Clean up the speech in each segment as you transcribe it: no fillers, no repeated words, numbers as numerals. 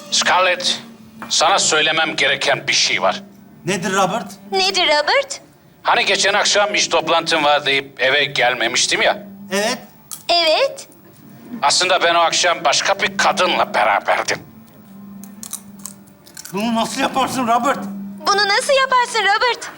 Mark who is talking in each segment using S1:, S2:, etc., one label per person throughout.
S1: Scarlett, sana söylemem gereken bir şey var.
S2: Nedir Robert?
S3: Nedir Robert?
S1: Hani geçen akşam iş toplantım var deyip eve gelmemiştim ya.
S2: Evet.
S3: Evet.
S1: Aslında ben o akşam başka bir kadınla beraberdim.
S2: Bunu nasıl yaparsın Robert?
S3: Bunu nasıl yaparsın Robert?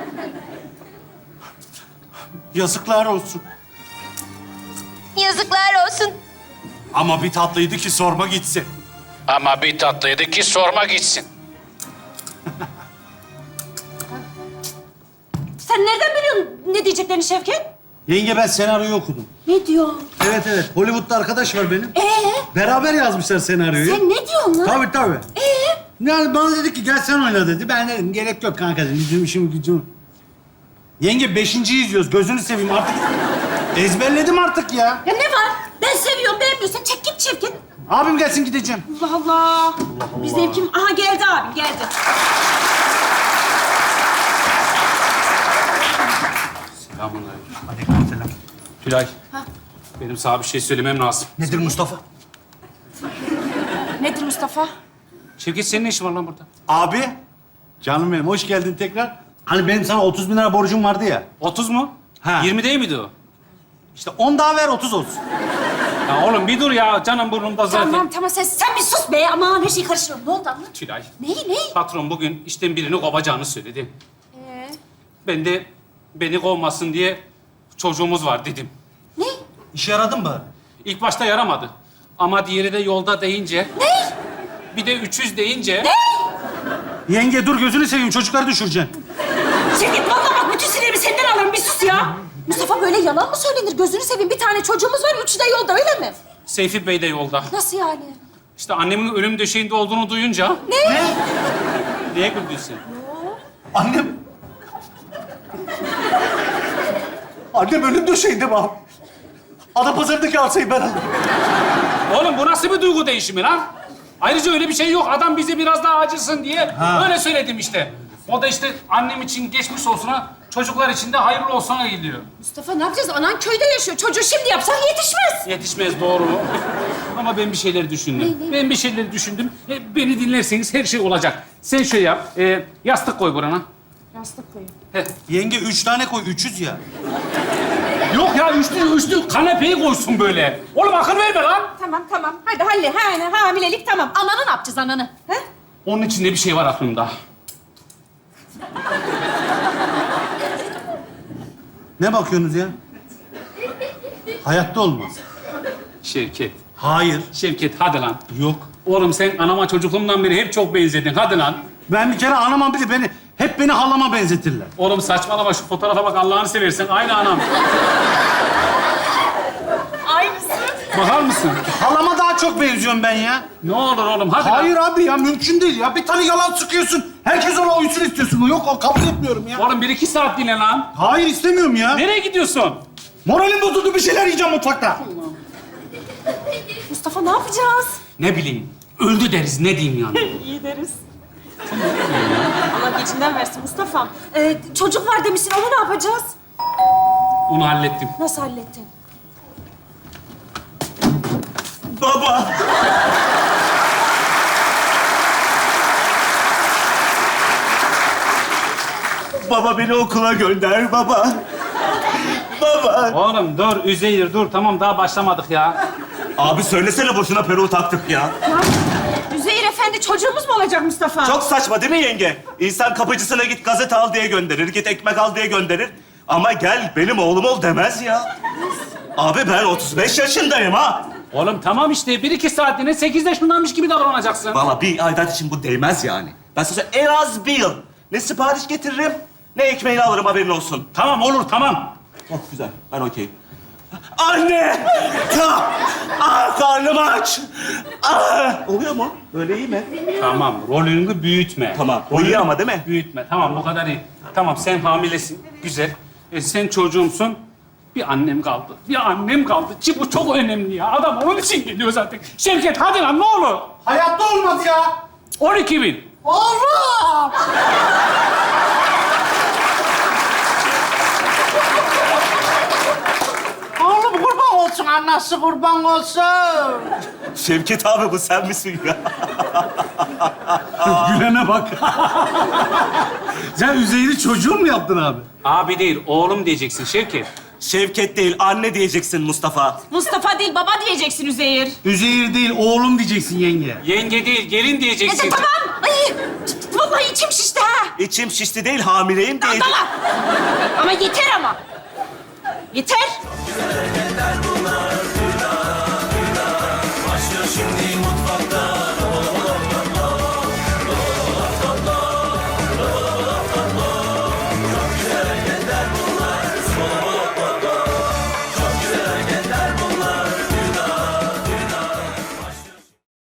S2: Yazıklar olsun.
S3: Yazıklar olsun.
S2: Ama bir tatlıydı ki sorma gitsin.
S1: Ama bir tatlıydı ki sorma gitsin.
S4: Sen nereden biliyorsun ne diyeceklerini Şevket?
S2: Yenge ben senaryoyu okudum.
S4: Ne diyor?
S2: Evet evet. Hollywood'da arkadaş var benim. Beraber yazmışlar senaryoyu.
S4: Sen ne diyorsun lan?
S2: Tabii. Yani bana dedi ki gel sen oyna dedi. Ben dedim gerek yok kanka dedim. Bizim işim gücüm. Yenge 5.'yi izliyoruz. Gözünü seveyim artık. Ezberledim artık ya.
S4: Ya ne var? Ben seviyorum, beğenmiyorsan çek git Şevket.
S2: Abim gelsin gideceğim.
S4: Allah Allah. Bir zevkim... Aha geldi abim, geldi.
S1: Selamünaleyküm.
S2: Aleykümselam.
S1: Tülay, benim sana bir şey söylemem lazım.
S2: Nedir Mustafa?
S4: Nedir Mustafa?
S1: Şevket, senin ne işin var lan burada?
S2: Abi. Canım benim hoş geldin tekrar. Hani benim sana 30 bin lira borcum vardı ya.
S1: 30 mu?
S2: Ha.
S1: 20 değil miydi o?
S2: İşte 10 daha ver 30 olsun.
S1: Ya oğlum bir dur ya, canım burnumda zaten.
S4: Tamam sen bir sus be. Aman her şeyi karıştırıyorum. Ne oldu anlat?
S1: Tülay,
S4: Neyi?
S1: patron bugün işten birini kovacağını söyledi. Ben de beni kovmasın diye çocuğumuz var dedim.
S4: Ne?
S2: İşe yaradın mı?
S1: İlk başta yaramadı. Ama diğeri de yolda deyince...
S4: Ne?
S1: Bir de 300 deyince...
S2: Yenge dur gözünü seveyim çocukları düşüreceksin.
S4: Şevket vallahi bak bütün sinirimi senden alırım. Bir sus ya. Mustafa böyle yalan mı söylenir? Gözünü seveyim. Bir tane çocuğumuz var, üçü de yolda öyle mi?
S1: Seyfi Bey de yolda.
S4: Nasıl yani?
S1: İşte annemin ölüm döşeğinde olduğunu duyunca...
S2: Ne?
S1: Neye güldün sen?
S2: Annem... Annem ölüm döşeğinde mi abi? Adapazarı'ndaki arsayı ben aldım.
S1: Oğlum bu nasıl bir duygu değişimi lan? Ayrıca öyle bir şey yok. Adam bize biraz daha acısın diye öyle söyledim işte. O da işte annem için geçmiş olsuna, çocuklar için de hayırlı olsuna gidiyor.
S4: Mustafa ne yapacağız? Anan köyde yaşıyor. Çocuğu şimdi yapsan yetişmez.
S1: Yetişmez doğru. Ama ben bir şeyler düşündüm. Ben bir şeyler düşündüm. Beni dinlerseniz her şey olacak. Sen şöyle yap. Yastık koy burana.
S4: Yastık koyun.
S1: Heh.
S2: Yenge 3 tane koy, 300 ya.
S1: Yok ya üçlü kanepeyi koysun böyle. Oğlum akıl verme lan.
S4: Tamam. Hadi halle. Hamilelik tamam. Ananı ne yapacağız ananı? He?
S1: Onun içinde bir şey var aklımda.
S2: Ne bakıyorsunuz ya? Hayatta olmaz.
S1: Şevket.
S2: Hayır.
S1: Şevket hadi lan.
S2: Yok.
S1: Oğlum sen anama çocukluğumdan beri hep çok benzedin. Hadi lan.
S2: Ben bir kere anamam bile hep beni halama benzetirler.
S1: Oğlum saçmalama şu fotoğrafa bak Allah'ını seversen. Aynı anam.
S4: Aynısı.
S1: Bakar mısın?
S2: Halama daha çok benziyorum ben ya.
S1: Ne olur oğlum hadi
S2: Hayır
S1: lan.
S2: abi ya mümkün değil ya. Bir tane yalan sıkıyorsun. Herkes ona uysun istiyorsun. Yok o kabul etmiyorum ya.
S1: Oğlum 1-2 saat dinle lan.
S2: Hayır istemiyorum ya.
S1: Nereye gidiyorsun?
S2: Moralim bozuldu bir şeyler yiyeceğim mutfakta.
S4: Mustafa ne yapacağız?
S1: Ne bileyim. Öldü deriz ne diyeyim yani.
S4: İyi deriz. Allah geçinden versin Mustafa. Çocuk var demişsin. Onu ne yapacağız?
S1: Onu hallettim.
S4: Nasıl hallettin?
S2: Baba. Baba beni okula gönder baba. Baba.
S1: Oğlum dur Üzeyir dur. Tamam daha başlamadık ya.
S5: Abi söylesene boşuna peruğu taktık ya.
S4: Üzeyir Efendi çocuğumuz mu olacak Mustafa?
S5: Çok saçma değil mi yenge? İnsan kapıcısına git gazete al diye gönderir, git ekmek al diye gönderir. Ama gel benim oğlum ol demez ya. Abi ben 35 yaşındayım ha.
S1: Oğlum tamam işte 1-2 saatliğine 8 yaşındanmış gibi davranacaksın.
S5: Vallahi bir aidat için bu değmez yani. Ben size en az bir yıl ne sipariş getiririm, ne ekmeğini alırım haberin olsun.
S1: Tamam olur tamam.
S5: Çok güzel, ben okeyim. Anne! Karnım aç! Oluyor mu? Böyle iyi mi?
S1: Tamam rolünü büyütme.
S5: Tamam, o iyi
S1: Rolünü
S5: ama değil mi?
S1: Büyütme. Tamam bu kadar iyi. Tamam sen hamilesin. Güzel. Sen çocuğumsun. Bir annem kaldı. Bir annem kaldı. Ki bu çok önemli ya. Adam onun için geliyor zaten. Şevket hadi lan ne olur.
S2: Hayatta olmaz ya.
S1: 12.000.
S2: Olmaz. Oğlum kurban olsun.
S6: olsun, anası kurban olsun.
S5: Şevket abi bu sen misin ya?
S2: Gülene bak. Sen Üzeyir'i çocuğun mu yaptın abi?
S1: Abi değil, oğlum diyeceksin Şevket.
S5: Şevket değil, anne diyeceksin Mustafa.
S4: Mustafa değil, baba diyeceksin Üzeyir.
S2: Üzeyir değil, oğlum diyeceksin yenge.
S1: Yenge değil, gelin diyeceksin.
S4: Tamam. Ay, vallahi içim şişti ha.
S5: İçim şişti değil, hamileyim diyeceksin.
S4: Ama yeter ama. Yeter.